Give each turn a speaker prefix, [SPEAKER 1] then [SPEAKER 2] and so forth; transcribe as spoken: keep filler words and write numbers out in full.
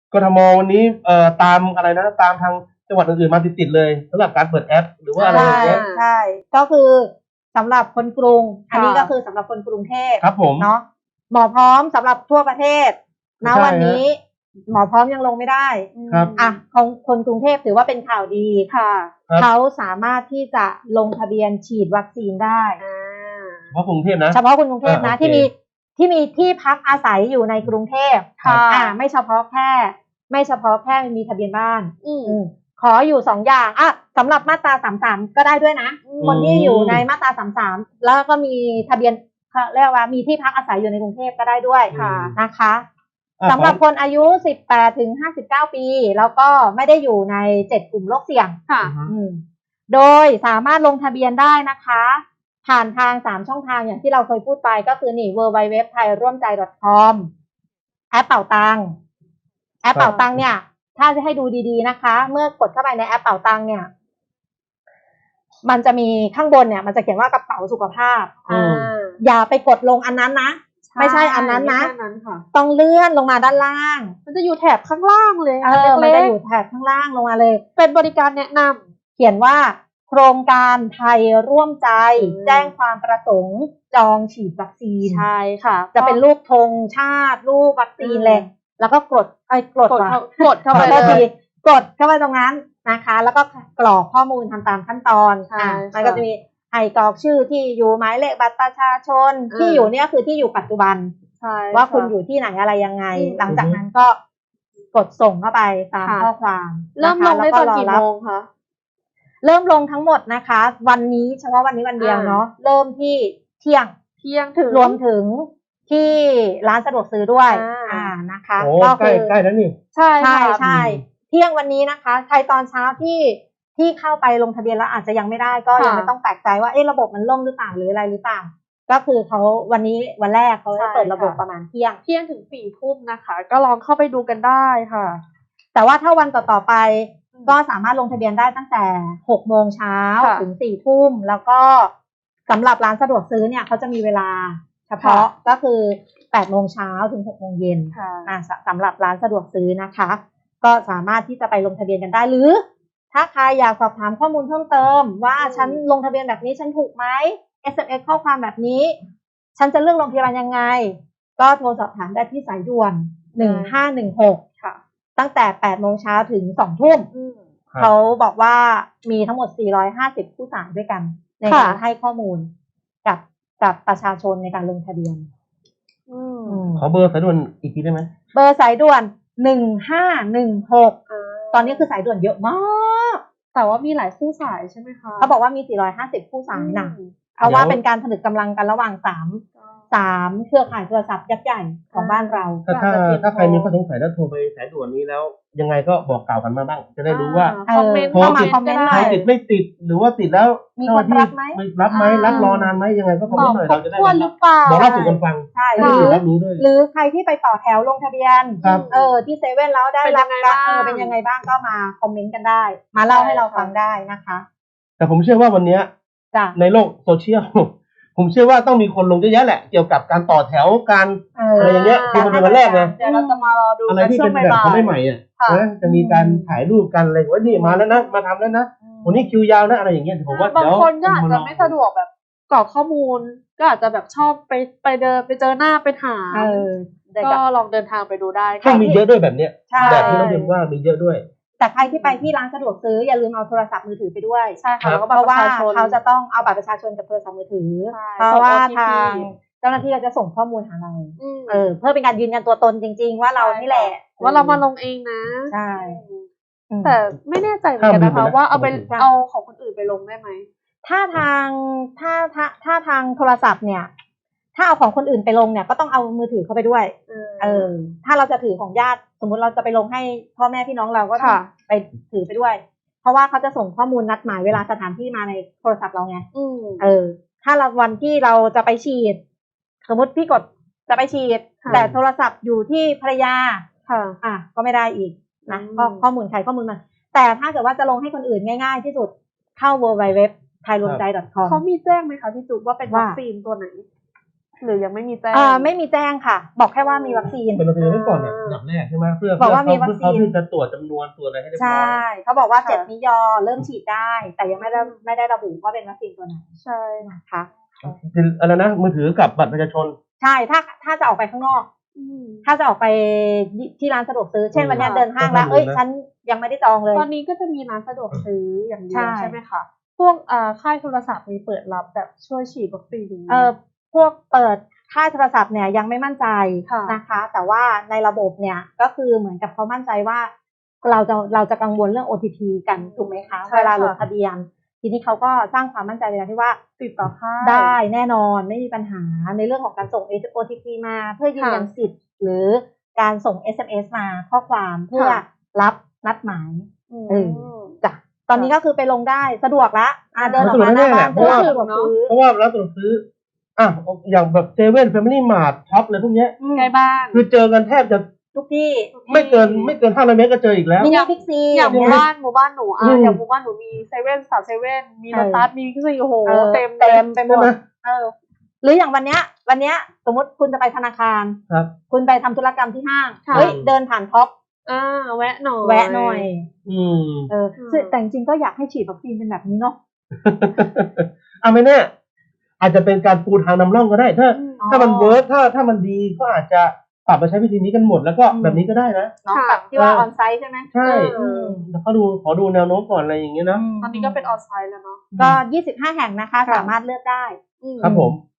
[SPEAKER 1] กทมวันนี้เอ่อตามอะไรนะตามทางจังหวัดอื่นๆมาติดๆเลยสำหรับการเปิดแอปหรือว่าอะไรอย่างเงี้ย
[SPEAKER 2] ใช่ก็คือสำหรับคนกรุงอันนี้ก็คือสำหรับคนกรุงเทพ
[SPEAKER 1] ครับผม
[SPEAKER 2] เนาะหมอพร้อมสำหรับทั่วประเทศณวันนี้หมอพร้อมยังลงไม่ได้
[SPEAKER 1] ครับ
[SPEAKER 2] อ่ะของคนกรุงเทพถือว่าเป็นข่าวดี
[SPEAKER 3] ค่ะ
[SPEAKER 2] เขาสามารถที่จะลงทะเบียนฉีดวัคซีนได้
[SPEAKER 1] เฉพาะกรุงเทพนะ
[SPEAKER 2] เฉพาะคนกรุงเทพนะที่มีที่มีที่พักอาศัยอยู่ในกรุงเทพ
[SPEAKER 3] ค่ะ
[SPEAKER 2] อ่าไม่เฉพาะแค่ไม่เฉพาะแค่มีทะเบียนบ้านอืมขออยู่สองอย่างอ่ะสำหรับมาตราสามสามก็ได้ด้วยนะคนที่อยู่ในมาตราสามสามแล้วก็มีทะเบียนเรียกว่ามีที่พักอาศัยอยู่ในกรุงเทพก็ได้ด้วยนะคะสำหรับคนอายุสิบแปดถึงห้าสิบเก้าปีแล้วก็ไม่ได้อยู่ในเจ็ดกลุ่มโรคเสี่ยง
[SPEAKER 3] ค่ะ
[SPEAKER 2] โดยสามารถลงทะเบียนได้นะคะผ่านทางสามช่องทางอย่างที่เราเคยพูดไปก็คือนี่ ดับเบิลยู ดับเบิลยู ดับเบิลยู ดอท ไทยร่วมใจ ดอท คอม แอปเป่าตังแอปเป่าตังเนี่ยถ้าจะให้ดูดีๆนะคะเมื่อกดเข้าไปในแอปเป่าตังเนี่ยมันจะมีข้างบนเนี่ยมันจะเขียนว่ากระเป๋าสุขภาพอย่าไปกดลงอันนั้นนะไม่ใช่อันนั้นนะต้องเลื่อนลงมาด้านล่าง
[SPEAKER 3] มันจะอยู่แถบข้างล่างเลย
[SPEAKER 2] เออมันจะอยู่แถบข้างล่างลงมาเลย
[SPEAKER 3] เป็นบริการแนะน
[SPEAKER 2] ำเขียนว่าโครงการไทยร่วมใจแจ้งความประสงค์จองฉีดวัคซีน
[SPEAKER 3] ใช่ค่ะ
[SPEAKER 2] จะเป็นรูปธงชาติรูปวัคซีนเลยแล้วก็กดไอ้กด
[SPEAKER 3] กดเข้าไป
[SPEAKER 2] เลยกดเข้าไปตรงนั้นนะคะแล้วก็กรอกข้อมูลทำตามขั้นตอนอ่ามันก็จะมีให้กรอกชื่อที่อยู่หมายเลขบัตรประชาชนที่อยู่เนี่ยคือที่อยู่ปัจจุบันว่าคุณอยู่ที่ไหนอะไรยังไงหลังจากนั้นก็กดส่งเข้าไปตามข้อความ
[SPEAKER 3] เริ่มลงได้ตอนกี่โมงคะ
[SPEAKER 2] เริ่มลงทั้งหมดนะคะวันนี้เฉพาะวันนี้วันเดียวเนาะเริ่มที่เที่ยง
[SPEAKER 3] เที่ยงถึง
[SPEAKER 2] รวมถึงที่ร้านสะดวกซื้อด้วยอ่านะคะ
[SPEAKER 1] ก็คือใกล้ๆแล้วนี่
[SPEAKER 2] ใช่ใช่ใช่เที่ยงวันนี้นะคะใครตอนเช้าที่ที่เข้าไปลงทะเบียนแล้วอาจจะยังไม่ได้ก็ยังไม่ต้องแปลกใจว่าเอ๊ะระบบมันล่มหรือเปล่าหรืออะไรหรือเปล่าก็คือเขาวันนี้วันแรกเขาจะเปิดระบบประมาณเที่ยง
[SPEAKER 3] เที่ยงถึงสี่ทุ่มนะคะก็ลองเข้าไปดูกันได้ค่ะ
[SPEAKER 2] แต่ว่าถ้าวันต่อๆไปก็สามารถลงทะเบียนได้ตั้งแต่หกโมงเช้าถึงสี่ทุ่มแล้วก็สำหรับร้านสะดวกซื้อเนี่ยเขาจะมีเวลาเฉพาะก็คือแปดโมงเช้าถึงหกโมงเย็นอ่าสำหรับร้านสะดวกซื้อนะคะก็สามารถที่จะไปลงทะเบียนกันได้หรือถ้าใครอยากสอบถามข้อมูลเพิ่มเติมว่าฉันลงทะเบียนแบบนี้ฉันถูกไหม เอส เอ็ม เอส ข้อความแบบนี้ฉันจะเลือกโรงพยาบาลยังไงก็โทรสอบถามได้ที่สายด่วนหนึ่งห้าหนึ่งหกค่ะตั้งแต่แปดโมงเช้าถึงสองทุ่มเขาบอกว่ามีทั้งหมดสี่ร้อยห้าสิบผู้สายด้วยกันในการให้ข้อมูลกับกับประชาชนในการลงทะเบียน
[SPEAKER 1] ขอเบอร์สายด่วนอีกทีได้ไหม
[SPEAKER 2] เบอร์สายด่วนหนึ่งห้าหนึ่งหกตอนนี้คือสายด่วนเยอะมาก
[SPEAKER 3] แต่ว่ามีหลายคู่สายใช่ไหมคะ
[SPEAKER 2] เขาบอกว่ามีสี่ร้อยห้าสิบคู่สายนะเพราะว่าเป็นการผนึกกำลังกันระหว่างสามสามเครือข่ายโทรศัพท์ยักษ์ใหญ่ของบ้านเรา
[SPEAKER 1] ถ้าถ้าถ้าใครมีข้อสงสัยแล้วโทรไปสายด่วนนี้แล้วยังไงก็บอกกล่าวกันมาบ้างจะได้รู้ว่า
[SPEAKER 2] คอมเมนต์เข้ามาคอมเมนต์หน่อย
[SPEAKER 1] ติดไม่ติดหรือว่าติดแล้ว
[SPEAKER 2] มีคนรับไหม
[SPEAKER 1] รับไหมรับรอนานไหมยังไงก็คอมเมนต์หน่อยเราจะได้
[SPEAKER 2] บอก
[SPEAKER 1] เล่าสู่กันฟัง
[SPEAKER 2] ใช่หรือหรือใครที่ไปต่อแถวลงทะเบียนเออที่เซเว่นแล้วได้รับเออเป็นยังไงบ้างก็มาคอมเมนต์กันได้มาเล่าให้เราฟังได้นะคะ
[SPEAKER 1] แต่ผมเชื่อว่าวันนี้ในโลกโซเชียลผมเชื่อว่าต้องมีคนลงเยอะแยะแหละเกี่ยวกับการต่อแถวการอะไรอย่างเงี้ยคือมันเป็นวันแรกไง
[SPEAKER 3] เดี๋ยวเราจะมารอดู
[SPEAKER 1] อะไรที่เป็นแบบเขาไม่ใหม่อ่ะนะจะมีการถ่ายรูปกันอะไรว่านี่มาแล้วนะมาทำแล้วนะวันนี้คิวยาวนะอะไรอย่างเงี้ยผมว่า
[SPEAKER 3] บางคนก็อาจจะไม่สะดวกแบบกรอกข้อมูลก็อาจจะแบบชอบไปไปเดินไปเจอหน้าไปถามก็ลองเดินทางไปดูได้
[SPEAKER 1] ก็มีเยอะด้วยแบบเนี้ยแบบที่เราเรียนว่ามีเยอะด้วย
[SPEAKER 2] แต่ใครที่ไปที่ร้านสะดวกซื้ออย่าลืมเอาโทรศัพท์มือถือไปด้วย
[SPEAKER 3] ใช่ค่ะ
[SPEAKER 2] เพราะว่าเขาจะต้องเอาบัตรประชาชนกับโทรศัพท์มือถือเพราะว่าทางเจ้าหน้าที่จะส่งข้อมูลหาเราเออเพื่อเป็นการยืนยันตัวตนจริงๆว่าเรานี่แหละ
[SPEAKER 3] ว่าเรามาลงเองนะ
[SPEAKER 2] ใช่
[SPEAKER 3] แต่ไม่แน่ใจเหมือนกันนะคะว่าเอาไปเอาของคนอื่นไปลงได้ไหม
[SPEAKER 2] ถ้าทางถ้าถ้าถ้าทางโทรศัพท์เนี่ยถ้าเอาของคนอื่นไปลงเนี่ยก็ต้องเอามือถือเข้าไปด้วยเออถ้าเราจะถือของญาติสมมุติเราจะไปลงให้พ่อแม่พี่น้องเราก็ไปถือไปด้วยเพราะว่าเขาจะส่งข้อมูลนัดหมายเวลาสถานที่มาในโทรศัพท์เราไงเออถ้าเราวันที่เราจะไปฉีดสมมติพี่กดจะไปฉีดแต่โทรศัพท์อยู่ที่ภรรยา
[SPEAKER 3] ค่ะ
[SPEAKER 2] อ่ะก็ไม่ได้อีกนะก็ข้อมูลใครข้อมูลมันแต่ถ้าเกิดว่าจะลงให้คนอื่นง่ายๆที่สุดเข้า ดับเบิลยู ดับเบิลยู ดับเบิลยู ดอท ไทยรวมใจ ดอท คอม
[SPEAKER 3] เขามีแจ้งไหมคะพี่จุ๊บว่าเป็นวัคซีนตัวไหนหรือยังไม่มีแจ้ง
[SPEAKER 2] อ่าไม่มีแจ้งค่ะ บอกแค่ว่ามีวัคซีน
[SPEAKER 1] เป็นลงทะเบียนไว้ก่อนเนี่ยอันดับแรกใช่ไหมเพื่อ
[SPEAKER 2] บอกว่ามี
[SPEAKER 1] เพื่อ
[SPEAKER 2] วัคซีน
[SPEAKER 1] เขาที่จะตรวจจำนวนตรวจอะไรให้เรียบร้
[SPEAKER 2] ใช่
[SPEAKER 1] อย
[SPEAKER 2] เขาบอกว่าเจ็ดมิยอเริ่มฉีดได้ แต่ยังไม่ได้ไม่ได้ระบุว่าเป็นวัคซีนตัวไหน
[SPEAKER 3] ใช่
[SPEAKER 2] นะคะ
[SPEAKER 1] อะไรนะมือถือกับบัตรประชาชน
[SPEAKER 2] ใช่ถ้าถ้าจะออกไปข้างนอก ถ้าจะออกไปที่ร้านสะดวกซื้อ เช่นวันนี้เดินห้างแล้วเอ้ยฉันยังไม่ได้จองเลย
[SPEAKER 3] ตอนนี้ก็จะมีร้านสะดวกซื้ออย่างเดียว
[SPEAKER 2] ใช่
[SPEAKER 3] ใช่ไหมคะพวกอ่าค่ายโทรศัพท์มีเปิดรับแบบช่วยฉีดวัคซีนอย่างนี้
[SPEAKER 2] เออพวกเปิดค่ายโทรศัพท์เนี่ยยังไม่มั่นใจ
[SPEAKER 3] ค่ะ
[SPEAKER 2] นะคะ แต่ว่าในระบบเนี่ยก็คือเหมือนกับเขามั่นใจว่าเราจะเราจะกังวลเรื่อง โอ ที พี กันถูกไหมคะ
[SPEAKER 3] ใช่ค่ะ
[SPEAKER 2] เวลาลงทะเบียน ทีนี้เขาก็สร้างความมั่นใจในการที่ว่า
[SPEAKER 3] ติดต่อค่าย
[SPEAKER 2] ได้แน่นอนไม่มีปัญหาในเรื่องของการส่ง โอ ที พี มาเพื่อยืนยันสิทธิ์ หรือการส่ง เอส เอ็ม เอส มาข้อความเพื่อรับนัดหมาย
[SPEAKER 3] อืม
[SPEAKER 2] เออ จ้ะตอนนี้ก็คือไปลงได้สะดวกละอ่ะเดินออกมาห
[SPEAKER 1] สะดวกแน่
[SPEAKER 2] น้า
[SPEAKER 1] ๆ
[SPEAKER 2] บ้าน
[SPEAKER 1] เพราะว่า
[SPEAKER 2] สะดวกซื้อ
[SPEAKER 1] เพราะว่าร้านสะดวกซื้ออ่ะอย่างแบบเซเว่นแฟมิลี่มาร์ทท็อปอะไรพวกเนี้ย
[SPEAKER 3] ใกล้บ้าน
[SPEAKER 1] คือเจอกันแทบจะ
[SPEAKER 2] ทุกที่
[SPEAKER 1] ไม่เกินไม่เกินห้าร้อยเมตรก็เจออีกแล้ว
[SPEAKER 2] มินิบิ๊กซี
[SPEAKER 3] อย่างหมู่
[SPEAKER 2] เงี้ย
[SPEAKER 3] บ้านหมู่บ้านหนูอ่ะ
[SPEAKER 1] อืม
[SPEAKER 3] อย่างหมู่บ้านหนูมีเซเว่นสามเซเว่นมี
[SPEAKER 2] เอ
[SPEAKER 3] โล
[SPEAKER 2] อ
[SPEAKER 3] ตัสมีก็คือโอ้โห
[SPEAKER 2] เออ
[SPEAKER 3] เต็ม
[SPEAKER 2] เต็มไปหม
[SPEAKER 1] ใช่
[SPEAKER 2] ด
[SPEAKER 1] ไหม
[SPEAKER 2] เออหรืออย่างวันเนี้ย วันเนี้ยสมมติคุณจะไปธนาคาร
[SPEAKER 1] ครับ
[SPEAKER 2] คุณไปทำธุรกรรมที่ห้าง
[SPEAKER 3] ค่ะ
[SPEAKER 2] เฮ้ยเดินผ่านท็อป
[SPEAKER 3] อ่าแวะหน่อย
[SPEAKER 2] แวะหน่อย
[SPEAKER 1] อืม
[SPEAKER 2] เออซึ่งแต่จริงๆก็อยากให้ฉีดวัคซีนเป็นแบบนี้เนาะ
[SPEAKER 1] อ่ะไม่แน่อาจจะเป็นการปูทางนำร่องก็ได้ ถ้า
[SPEAKER 3] อืม
[SPEAKER 2] อ๋อ
[SPEAKER 1] ถ้ามันเวิร์กถ้าถ้ามันดีก็อาจจะปรับมาใช้วิธีนี้กันหมดแล้วก็
[SPEAKER 2] อืม
[SPEAKER 1] แบบนี้ก็ได้นะ
[SPEAKER 2] เนาะ
[SPEAKER 3] ค่ะ
[SPEAKER 2] แบบที่ว่า
[SPEAKER 1] เออ
[SPEAKER 2] ออนไซต์ใช่ไหม
[SPEAKER 1] ใช่
[SPEAKER 3] เออ
[SPEAKER 1] แต่เขาดูขอดูแนวโน้มก่อนอะไรอย่างเงี้ยนะ
[SPEAKER 3] ตอนนี้ก็เป็นออนไซต์แล้วเนาะ
[SPEAKER 2] ก็ยี่สิบห้าแห่งนะคะ
[SPEAKER 3] ค่ะ
[SPEAKER 2] สามารถเลือกได้
[SPEAKER 3] อืม
[SPEAKER 1] ครับผม